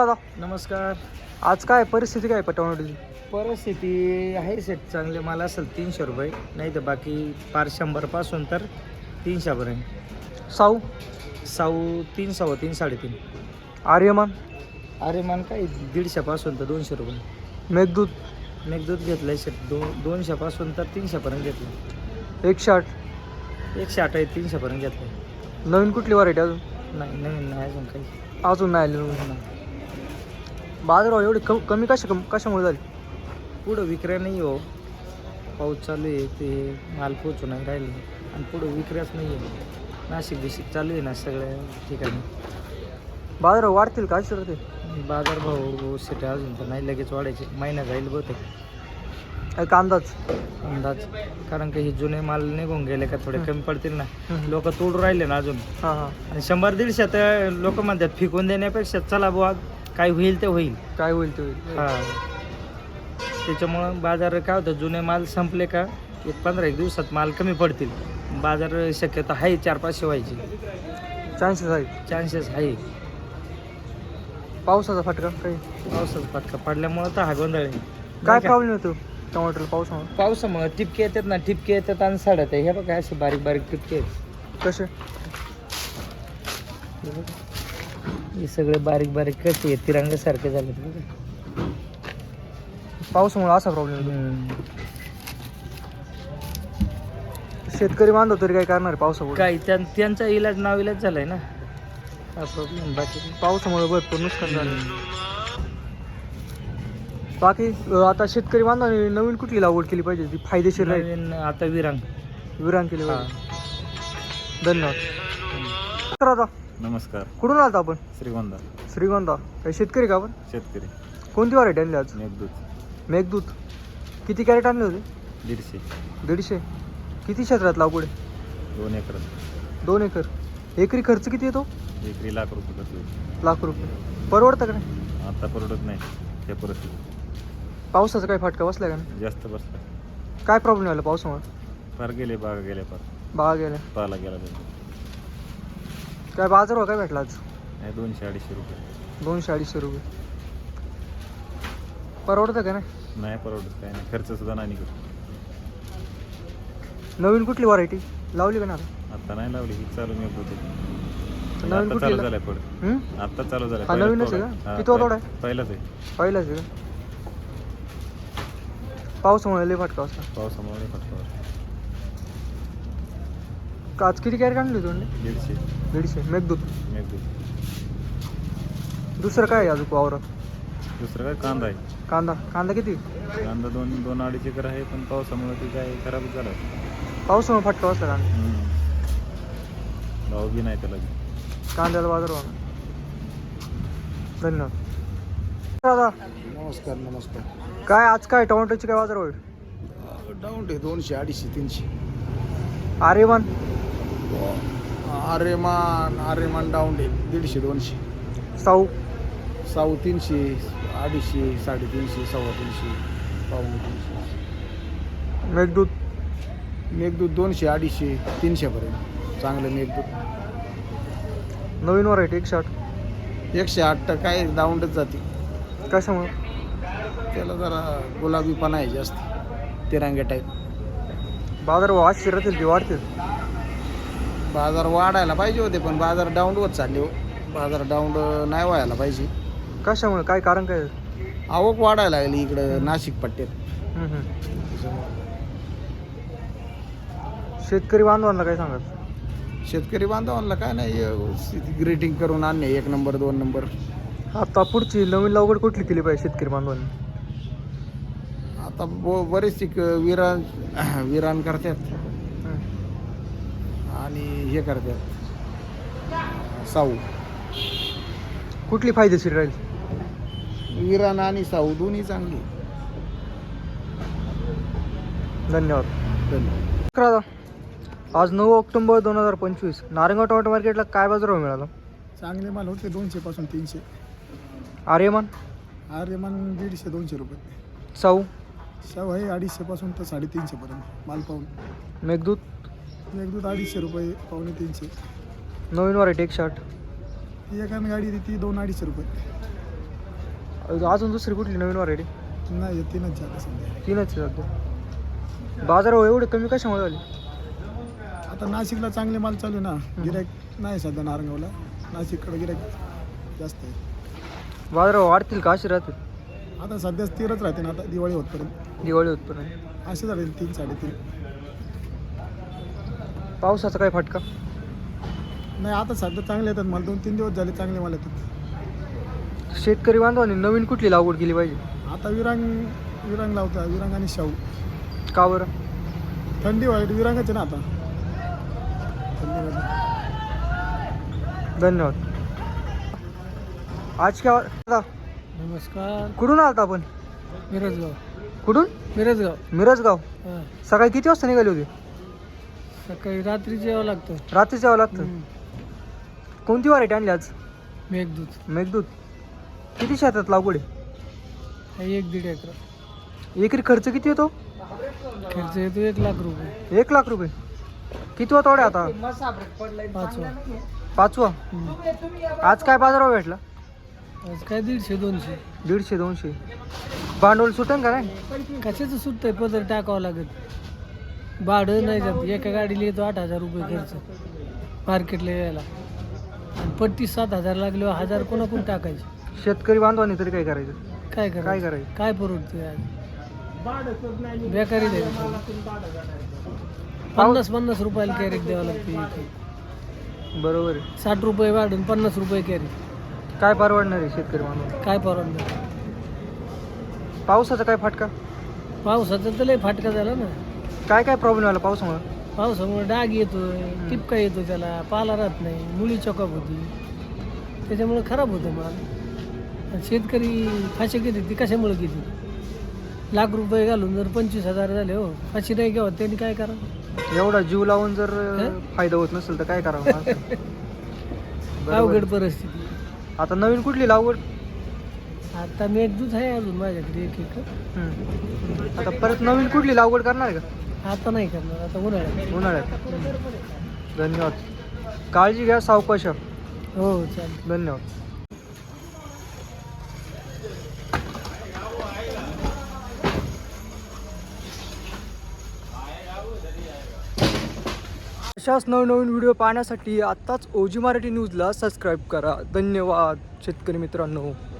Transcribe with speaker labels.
Speaker 1: दादा
Speaker 2: नमस्कार.
Speaker 1: आज काय परिस्थिती काय टोमॅटोची?
Speaker 2: परिस्थिती आहे सेट चांगले माल असेल 300 रुपये, नाही तर बाकी पार 100 पासून तर 300 पर्यंत.
Speaker 1: साऊ,
Speaker 2: साऊ 3, 3.5, 3.5.
Speaker 1: आर्यमान,
Speaker 2: अरे मान काय 150 पासून तर 200 रुपये.
Speaker 1: मेघदूत
Speaker 2: मेघदूत घेतलं सेट 200 पासून तर 300 पर्यंत घेतलं.
Speaker 1: 108.
Speaker 2: 108 आहे, 300 पर्यंत घेतलं.
Speaker 1: नवीन कुठली व्हरायटी अजून?
Speaker 2: नाही नवीन नाही अजून काही.
Speaker 1: अजून नाही आली. बाजारभाव एवढी कमी कशामुळे झाली?
Speaker 2: पुढं विक्र्या नाही हो, पाऊस चालू आहे, ते माल पोचू नाही राहिले आणि पुढं विक्र्याच नाही आहे. नाशिक बिशिक चालू आहे ना सगळ्या ठिकाणी.
Speaker 1: बाजारभाव वाढतील का अशी ते?
Speaker 2: बाजारभाव सेट अजून तर नाही, लगेच वाढायचे, महिना जाईल बहुतेक.
Speaker 1: एक अंदाज
Speaker 2: अंदाज, कारण की हे जुने माल निघून गेले का थोडे कमी पडतील ना. लोक तोडून राहिले ना अजून.
Speaker 1: हां हां.
Speaker 2: आणि 100-150 तर लोक म्हणतात फिकून देण्यापेक्षा चला बुवा काय होईल ते होईल.
Speaker 1: काय होईल ते होईल.
Speaker 2: हा, त्याच्यामुळं बाजार काय होतं, जुने माल संपले का 15-1 दिवसात माल कमी पडतील. बाजार शक्यता आहे 400-500 व्हायची
Speaker 1: चान्सेस आहेत.
Speaker 2: चान्सेस आहे.
Speaker 1: पावसाचा फटका काही?
Speaker 2: पावसाचा फटका पडल्यामुळं तर हा गोंधळ आहे.
Speaker 1: काय प्रॉब्लेम येतो टोमॅटोला पावसामुळे?
Speaker 2: पावसामुळे टिपके येतात ना, टिपके येतात आणि सडत आहे. हे बघा असे बारीक बारीक टिपके आहेत.
Speaker 1: कसे?
Speaker 2: हे सगळे बारीक बारीक कसे आहेत, तिरंगासारखे झाले बघा.
Speaker 1: पावसामुळे असा प्रॉब्लेम येतो. शेतकरी बांधव तरी काय करणार पावसामुळे?
Speaker 2: काय त्यांचा इलाज नाविलाज झालाय ना, हा प्रॉब्लेम. बाकी
Speaker 1: पावसामुळे भरपूर नुकसान झालं. बाकी आता शेतकरी बांधवांनी नवीन कुठली लागवड केली पाहिजे ती फायदेशीर राहील?
Speaker 2: नवीन आता विरांग
Speaker 1: केली पाहिजे. धन्यवाद. दादा
Speaker 3: नमस्कार.
Speaker 1: कुठून आलात आपण?
Speaker 3: श्रीगोंदा.
Speaker 1: श्रीगोंदा. काही शेतकरी का आपण?
Speaker 3: शेतकरी.
Speaker 1: कोणती व्हरायटी आणली आज?
Speaker 3: मेघदूत.
Speaker 1: मेघदूत. किती कॅरेट आणले होते?
Speaker 3: 150.
Speaker 1: 150. किती क्षेत्रात लागवड आहे?
Speaker 3: 2 एकर.
Speaker 1: 2 एकर. एकरी खर्च किती येतो?
Speaker 3: एकरी लाख रुपये खर्च होईल.
Speaker 1: लाख रुपये. परवडतं का नाही?
Speaker 3: आता परवडत नाही त्या परिस्थितीत.
Speaker 1: पावसाचा काही फटका बसला का नाही?
Speaker 3: जास्त बसला.
Speaker 1: काय प्रॉब्लेम आला पावसामुळे?
Speaker 3: फार गेले बागा गेल्या फार.
Speaker 1: बागा गेल्या.
Speaker 3: पाला गेला त्याचा.
Speaker 1: काय बाजारभाव काय भेटला आज?
Speaker 3: नाही 200-250 रुपये.
Speaker 1: 200-250 रुपये. परवडतं का नाही?
Speaker 3: नाही परवडत, काय नाही, खर्च सुद्धा नाही निघत.
Speaker 1: नवीन कुठली व्हरायटी लावली का ना?
Speaker 3: आता नाही लावली, ही चालू मेघदूत.
Speaker 1: नवीन
Speaker 3: आता
Speaker 1: कुठली
Speaker 3: चालू झालाय पुढे. आता चालू झालाय.
Speaker 1: हा नवीनच आहे का? किती तोडा आहे?
Speaker 3: पहिलाच आहे.
Speaker 1: पहिलाच आहे का? पावसामुळे लय फटका बसला.
Speaker 3: पावसामुळे फटका.
Speaker 1: आज किती कॅरेट आणली तुम्ही?
Speaker 3: 150.
Speaker 1: 150. मेघदूत.
Speaker 3: मेघदूत.
Speaker 1: दुसरं काय आहे अजून वावरात?
Speaker 3: दुसरं काय कांदा आहे.
Speaker 1: कांदा किती?
Speaker 3: कांदा 2-2.5 एकर आहे, पण पावसामुळे ती काय खराबच झाला.
Speaker 1: पावसामुळे फटका बसला कांदा.
Speaker 3: भाव बी नाही त्याला.
Speaker 1: कांद्याला बाजारभाव. धन्यवाद. दादा
Speaker 4: नमस्कार.
Speaker 1: काय आज काय टोमॅटोची काय बाजार होईल?
Speaker 4: डाऊन आहे 200, 250, 300.
Speaker 1: आर्यमान.
Speaker 4: आर्यमान डाऊन आहे 150-200.
Speaker 1: साऊ.
Speaker 4: साऊ 300, 250, 350, 350, 350.
Speaker 1: मेघदूत.
Speaker 4: मेघदूत 200, 250, 300 पर्यंत चांगलं मेघदूत.
Speaker 1: नवीन व्हरायटी 108.
Speaker 4: 108 तर काय डाऊनच जाते.
Speaker 1: कशामुळे?
Speaker 4: त्याला जरा गुलाबीपणा आहे जास्त, तिरंग्या टाईप.
Speaker 1: बाजारभाव अशी राहतील की वाढतील?
Speaker 4: बाजार वाढायला पाहिजे होते, पण बाजार डाऊन होत चालले हो. बाजार डाऊन नाही व्हायला पाहिजे.
Speaker 1: कशामुळे? काय कारण काय?
Speaker 4: आवक वाढायला लागली इकडं नाशिक पट्ट्यात.
Speaker 1: शेतकरी बांधवांना काय सांगाल?
Speaker 4: शेतकरी बांधवांना काय नाही, ग्रेटिंग करून आणणे 1 नंबर 2 नंबर.
Speaker 1: आता पुढची नवीन लागवड कुठली केली पाहिजे शेतकरी बांधवांनी?
Speaker 4: आता बरेच विरान करतात आणि हे करतात साऊ.
Speaker 1: कुठली फायदेशीर राहील?
Speaker 4: विरान आणि साऊ दोन्ही चांगली.
Speaker 1: धन्यवाद.
Speaker 4: धन्यवाद.
Speaker 1: आज 9 ऑक्टोबर 2025 नारायणगाव टोमॅटो मार्केटला काय बाजारभाव मिळाला?
Speaker 4: चांगले माल होते 200 पासून 300.
Speaker 1: आर्यमान.
Speaker 4: आर्यमान 150-200 रुपये.
Speaker 1: साऊ.
Speaker 4: साऊ आहे 250 पासून तर 350 पर्यंत माल पाहून.
Speaker 1: मेघदूत.
Speaker 4: मेघदूत 250 रुपये, 250-300.
Speaker 1: नवीन व्हरायटी 108.
Speaker 4: ती एकाने गाडी ती 2-250 रुपये.
Speaker 1: अजून दुसरी कुठली नवीन व्हरायटी?
Speaker 4: नाही तीनच झालं सध्या.
Speaker 1: तीनच आहे सध्या. बाजार एवढे कमी कशामुळे झाले?
Speaker 4: आता नाशिकला चांगले माल चालू आहे ना, गिराईक नाही सध्या नारंगावला, नाशिककडे गिराईक जास्त आहे.
Speaker 1: बाजार वाढतील का असे राहतील?
Speaker 4: आता सध्या स्थिरच राहते ना, आता दिवाळी होतपर्यंत
Speaker 1: दिवाळी होतपर्यंत.
Speaker 4: असे राहील 3-3.5.
Speaker 1: पावसाचा काय फटका?
Speaker 4: नाही आता सध्या चांगले येतात माल, 2-3 दिवस झाले चांगले माल येतात.
Speaker 1: शेतकरी बांधवांनी नवीन कुठली लागवड केली पाहिजे?
Speaker 4: आता विरांग लावतात, विरांग आणि शाहू.
Speaker 1: का बरं?
Speaker 4: थंडी वाईट विरांगच आहे ना आता थंडीमध्ये.
Speaker 1: धन्यवाद. आज काय
Speaker 2: नमस्कार.
Speaker 1: कुठून आलता आपण?
Speaker 2: मिरजगाव.
Speaker 1: कुठून?
Speaker 2: मिरजगाव.
Speaker 1: मिरजगाव. सकाळी किती वाजता निघाले होते?
Speaker 2: सकाळी रात्री यावं लागतं.
Speaker 1: रात्रीच यावं लागतं. कोणती व्हरायटी आणली आज?
Speaker 2: मेघदूत.
Speaker 1: मेघदूत. किती शेतात लागवड आहे?
Speaker 2: 1-1.5 एकर.
Speaker 1: एकरी खर्च किती येतो?
Speaker 2: खर्च येतो 1 लाख रुपये.
Speaker 1: 1 लाख रुपये. किती वा तोडे आता?
Speaker 2: 5वा.
Speaker 1: 5वा. आज काय बाजारावर भेटला?
Speaker 2: आज काय 150-200.
Speaker 1: 150-200. भांडवल सुटेल का नाही?
Speaker 2: कशाचं सुटतंय, पदर टाकावं लागत. भाडं नाही जात. एका गाडीला येतो 8,000 रुपये खर्च मार्केटला यायला, आणि पट्टी 7,000 लागल्यावर 1,000 कोणाकडून टाकायचे?
Speaker 1: शेतकरी बांधवांनी तरी काय करायचं?
Speaker 2: काय
Speaker 1: काय करायचं?
Speaker 2: काय परवडतंय आज? बेकारी द्यायची. 50-50 रुपयाला कॅरेट द्यावं लागते.
Speaker 1: बरोबर आहे.
Speaker 2: 60 रुपये वाढून 50 रुपये कॅरेट.
Speaker 1: काय परवडणार आहे शेतकरी बांधव?
Speaker 2: काय परवडणार?
Speaker 1: पावसाचा काय फटका?
Speaker 2: पावसाचा तर लय फाटका झाला ना.
Speaker 1: काय काय प्रॉब्लेम आला पावसामुळे?
Speaker 2: पावसामुळे डाग येतोय, टिपका येतो, त्याला पाला राहत नाही, मुळी चॉकअप होती, त्याच्यामुळे खराब होतं माल. आणि शेतकरी फाशी घेते. ती कशामुळे घेते? लाख रुपये घालून जर 25,000 झाले, हो फाशी नाही घ्यावं, त्यांनी काय करावं?
Speaker 1: एवढा जीव लावून जर फायदा होत नसेल तर काय करावं?
Speaker 2: अवघड परिस्थिती.
Speaker 1: आता नवीन कुठली लागवड?
Speaker 2: आता मेघदूत आहे अजून माझ्याकडे 1 एकर.
Speaker 1: आता परत नवीन कुठली लागवड करणार आहे का?
Speaker 2: आता नाही करणार, आता उन्हाळ्यात.
Speaker 1: उन्हाळ्यात. धन्यवाद. काळजी घ्या, सावकाश.
Speaker 2: हो चालेल.
Speaker 1: धन्यवाद. अशाच नवनवीन व्हिडिओ पाहण्यासाठी आत्ताच OG मराठी न्यूजला सबस्क्राईब करा. धन्यवाद शेतकरी मित्रांनो.